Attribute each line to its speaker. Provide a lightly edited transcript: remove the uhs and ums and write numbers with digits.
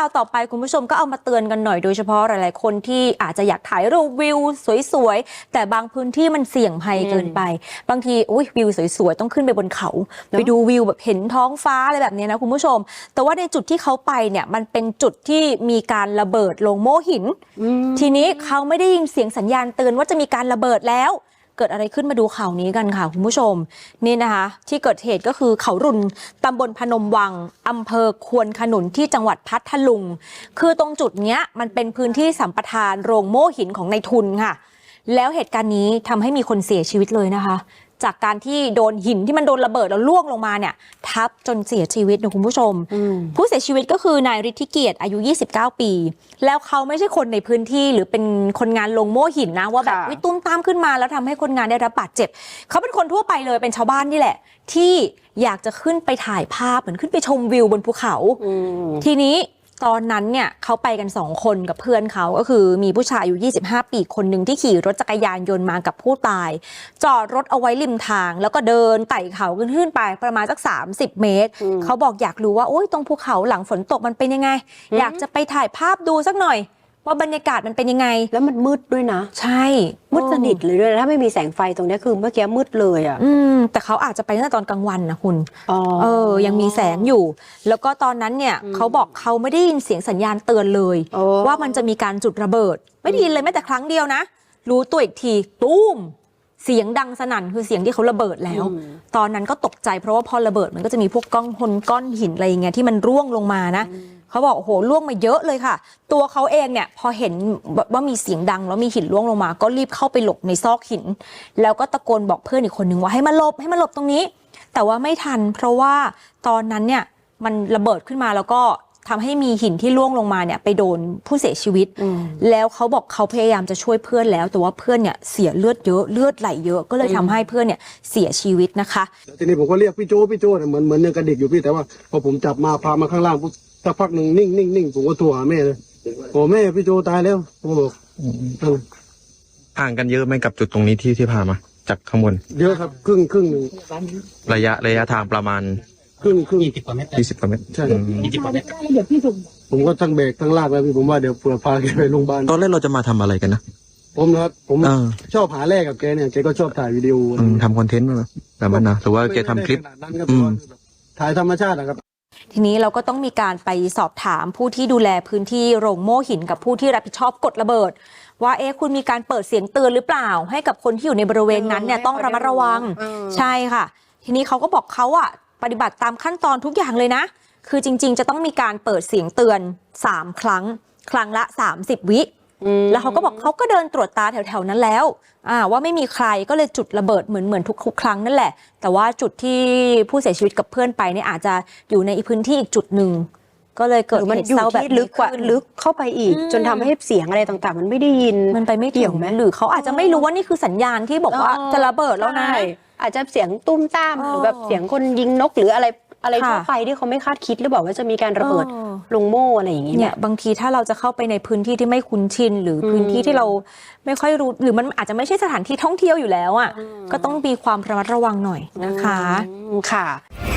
Speaker 1: าวต่อไปคุณผู้ชมก็เอามาเตือนกันหน่อยโดยเฉพาะหลายๆคนที่อาจจะอยากถ่ายรูปวิวสวยๆแต่บางพื้นที่มันเสี่ยงภัยเกินไปบางทีวิวสวยๆต้องขึ้นไปบนเขาไปดูวิวแบบเห็นท้องฟ้าอะไรแบบนี้นะคุณผู้ชมแต่ว่าในจุดที่เขาไปเนี่ยมันเป็นจุดที่มีการระเบิดโลงโม่หินทีนี้เขาไม่ได้ยินเสียงสัญญาณเตือนว่าจะมีการระเบิดแล้วเกิดอะไรขึ้นมาดูข่าวนี้กันค่ะคุณผู้ชมนี่นะคะที่เกิดเหตุก็คือเขารุนตำบลพนมวังอำเภอควนขนุนที่จังหวัดพัทลุงคือตรงจุดเนี้ยมันเป็นพื้นที่สัมปทานโรงโม่หินของนายทุนค่ะแล้วเหตุการณ์นี้ทำให้มีคนเสียชีวิตเลยนะคะจากการที่โดนหินที่มันโดนระเบิดแล้วล่วงลงมาเนี่ยทับจนเสียชีวิตนะคุณผู้ชมผู้เสียชีวิตก็คือนายฤทธิเกียรติอายุ29ปีแล้วเขาไม่ใช่คนในพื้นที่หรือเป็นคนงานลงโม่หินนะว่าแบบตุ้มตามขึ้นมาแล้วทำให้คนงานได้รับบาดเจ็บเขาเป็นคนทั่วไปเลยเป็นชาวบ้านนี่แหละที่อยากจะขึ้นไปถ่ายภาพเหมือนขึ้นไปชมวิวบนภูเขาทีนี้ตอนนั้นเนี่ยเขาไปกัน2คนกับเพื่อนเขาก็คือมีผู้ชายอายุ25ปีคนหนึ่งที่ขี่รถจักรยานยนต์มากับผู้ตายจอดรถเอาไว้ริมทางแล้วก็เดินไต่เขาขึ้นไปประมาณสัก30เมตรเขาบอกอยากรู้ว่าโอ๊ยตรงภูเขาหลังฝนตกมันเป็นยังไงอยากจะไปถ่ายภาพดูสักหน่อยว่าบรรยากาศมันเป็นยังไง
Speaker 2: แล้วมันมืดด้วยนะ
Speaker 1: ใช่
Speaker 2: มืดสนิทเลยด้วยถ้าไม่มีแสงไฟตรงนี้คือเมื่อกี้มืดเลยอ่ะ
Speaker 1: แต่เขาอาจจะไปตั้งแต่ตอนกลางวันนะคุณยังมีแสงอยู่แล้วก็ตอนนั้นเนี่ยเขาบอกเขาไม่ได้ยินเสียงสัญญาณเตือนเลยว่ามันจะมีการจุดระเบิดไม่ได้ยินเลยแม้แต่ครั้งเดียวนะรู้ตัวอีกทีตุ้มเสียงดังสนั่นคือเสียงที่เขาระเบิดแล้วตอนนั้นก็ตกใจเพราะว่าพอระเบิดมันก็จะมีพวกก้อนหินอะไรอย่างเงี้ยที่มันร่วงลงมานะเขาบอกโอ้โหล่วงมาเยอะเลยค่ะตัวเขาเองเนี่ยพอเห็นว่ามีเสียงดังแล้วมีหินร่วงลงมาก็รีบเข้าไปหลบในซอกหินแล้วก็ตะโกนบอกเพื่อนอีกคนนึงว่าให้มาหลบตรงนี้แต่ว่าไม่ทันเพราะว่าตอนนั้นเนี่ยมันระเบิดขึ้นมาแล้วก็ทำให้มีหินที่ร่วงลงมาเนี่ยไปโดนผู้เสียชีวิตแล้วเขาบอกเขาพยายามจะช่วยเพื่อนแล้วแต่ว่าเพื่อนเนี่ยเสียเลือดเยอะเลือดไหลเยอะก็เลยทำให้เพื่อนเนี่ยเสียชีวิตนะคะ
Speaker 3: ทีนี้ผมก็เรียกพี่โจ้เหมือนยังกระดิกอยู่พี่แต่ว่าพอผมจับมาพามาข้างล่างสักพักหนึ่งนิ่งผมก็โทรหาแม่เลยโอ้แม่พี่โจตายแล้วผมบอก
Speaker 4: ห่างกันเยอะไหมกับจุดตรงนี้ที่พามาจากข้างบน
Speaker 3: เยอะครับครึ่งหนึ่ง
Speaker 4: ระยะทางประมาณ
Speaker 3: ครึ่ง
Speaker 4: 20 กว่าเมตร
Speaker 3: ใช่20 กว่าเมตรผมก็ทั้งเบรกทั้งลากแล้วพี่ผมว่าเดี๋ยวเผื่อพาแกไปโรงพยาบาล
Speaker 4: ตอนแรกเราจะมาทำอะไรกันนะ
Speaker 3: ผมนะครับผมชอบหาแรกกับแกเนี่ยแกก็ชอบถ่ายวิดีโอ
Speaker 4: ทำคอนเทนต์แบบนั้นนะหรือว่าแกทำคลิป
Speaker 3: ถ่ายธรรมชาตินะครับ
Speaker 1: ทีนี้เราก็ต้องมีการไปสอบถามผู้ที่ดูแลพื้นที่โรงโม่หินกับผู้ที่รับผิดชอบกดระเบิดว่าคุณมีการเปิดเสียงเตือนหรือเปล่าให้กับคนที่อยู่ในบริเวณนั้นเนี่ยต้องระมัดระวังใช่ค่ะทีนี้เขาก็บอกเขาปฏิบัติตามขั้นตอนทุกอย่างเลยนะคือจริงๆจะต้องมีการเปิดเสียงเตือน3 ครั้งละ30 วิแล้วเขาก็บอกเขาก็เดินตรวจตาแถวๆนั้นแล้วว่าไม่มีใครก็เลยจุดระเบิดเหมือนทุกครั้งนั่นแหละแต่ว่าจุดที่ผู้เสียชีวิตกับเพื่อนไปเนี่ยอาจจะอยู่ในพื้นที่อีกจุดหนึ่งก็เลยเกิดเหตุเศร้าแบบ
Speaker 2: ลึกกว่าลึกเข้าไปอีกจนทำให้เสียงอะไรต่างๆมันไม่ได้ยิน
Speaker 1: มันไปไม่ถึงไหมหรือเขาอาจจะไม่รู้ว่านี่คือสัญญาณที่บอกว่าจะระเบิดแล้วนะ
Speaker 2: อาจจะเสียงตุ้มต้ามหรือแบบเสียงคนยิงนกหรืออะไรทั่วไปที่เขาไม่คาดคิดหรือบอกว่าจะมีการระเบิดลงโม่อะไรอย่างเงี้ย
Speaker 1: เนี่ยบางทีถ้าเราจะเข้าไปในพื้นที่ที่ไม่คุ้นชินหรือพื้นที่ที่เราไม่ค่อยรู้หรือมันอาจจะไม่ใช่สถานที่ท่องเที่ยวอยู่แล้วก็ต้องมีความระมัดระวังหน่อยนะคะ
Speaker 2: ค่ะ